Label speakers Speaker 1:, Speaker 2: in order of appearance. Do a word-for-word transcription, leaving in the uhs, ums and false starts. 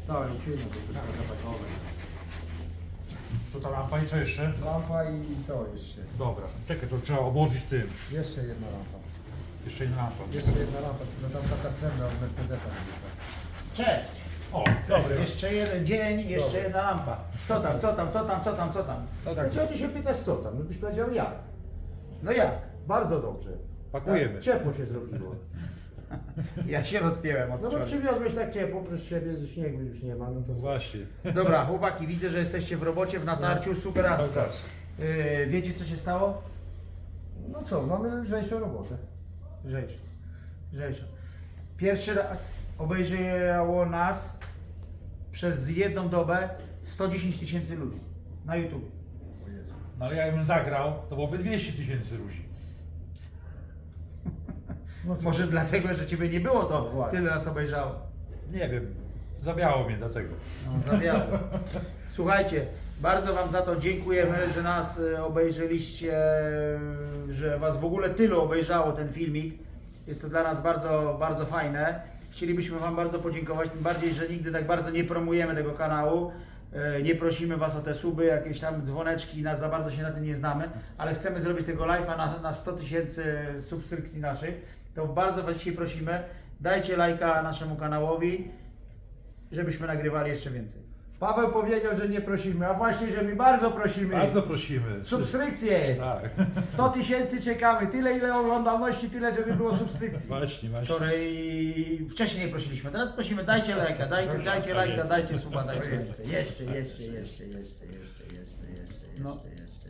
Speaker 1: Dałem ci jedno, to trzeba zapakować.
Speaker 2: To ta lampa i co jeszcze?
Speaker 1: Lampa i to jeszcze.
Speaker 2: Dobra, czekaj, to trzeba obłożyć tym.
Speaker 1: Jeszcze jedna lampa.
Speaker 2: Jeszcze jedna lampa.
Speaker 1: Jeszcze jedna lampa, tylko tam taka srebrna od Mercedesa.
Speaker 3: Cześć!
Speaker 2: O,
Speaker 3: Dobry. Jeszcze jeden dzień, jeszcze
Speaker 1: Dobry.
Speaker 3: jedna lampa. Co tam, co tam, co tam, co tam, co tam?
Speaker 2: no tak,
Speaker 1: Dlaczego ty się pytasz co tam? No byś powiedział jak.
Speaker 3: No jak?
Speaker 1: Bardzo dobrze.
Speaker 2: pakujemy.
Speaker 1: Tak, ciepło się zrobiło.
Speaker 3: Ja się rozpięłem od
Speaker 1: No bo
Speaker 3: wczoraj.
Speaker 1: przywiozłeś tak ciepło, proszę siebie, że śniegu już nie ma, no to
Speaker 2: Właśnie.
Speaker 3: Dobra, chłopaki, widzę, że jesteście w robocie, w natarciu, superacko.
Speaker 2: Tak.
Speaker 3: Yy, wiecie co się stało?
Speaker 1: No co, mamy lżejszą robotę.
Speaker 3: Rzecz. Rzecz. Pierwszy raz obejrzało nas przez jedną dobę sto dziesięć tysięcy ludzi na YouTube.
Speaker 1: O Jezu.
Speaker 2: No ale jakbym zagrał, to byłoby dwieście tysięcy ludzi.
Speaker 1: No co?
Speaker 3: Może dlatego, że ciebie nie było,
Speaker 1: No
Speaker 3: to
Speaker 1: właśnie.
Speaker 3: tyle nas obejrzało.
Speaker 2: Nie wiem, zabiało mnie dlatego.
Speaker 3: No, zawiało. Słuchajcie, bardzo Wam za to dziękujemy, że nas e, obejrzeliście, że Was w ogóle tylu obejrzało ten filmik. Jest to dla nas bardzo, bardzo fajne. Chcielibyśmy Wam bardzo podziękować, tym bardziej, że nigdy tak bardzo nie promujemy tego kanału. E, Nie prosimy Was o te suby, jakieś tam dzwoneczki, nas za bardzo się na tym nie znamy, ale chcemy zrobić tego live'a na, na sto tysięcy subskrypcji naszych. To bardzo Was dzisiaj prosimy, dajcie lajka naszemu kanałowi, żebyśmy nagrywali jeszcze więcej.
Speaker 1: Paweł powiedział, że nie prosimy, a właśnie, że my bardzo prosimy.
Speaker 2: Bardzo prosimy.
Speaker 1: Subskrypcje!
Speaker 2: Tak.
Speaker 1: sto tysięcy czekamy, tyle ile oglądalności, tyle żeby było subskrypcji.
Speaker 2: Właśnie, właśnie.
Speaker 3: Wczoraj, wcześniej nie prosiliśmy, teraz prosimy, dajcie lajka, dajcie, dajcie lajka, dajcie suba, dajcie lajka.
Speaker 1: Jeszcze, jeszcze, jeszcze, jeszcze, jeszcze, jeszcze, jeszcze, jeszcze, jeszcze,
Speaker 3: No.
Speaker 1: jeszcze, jeszcze.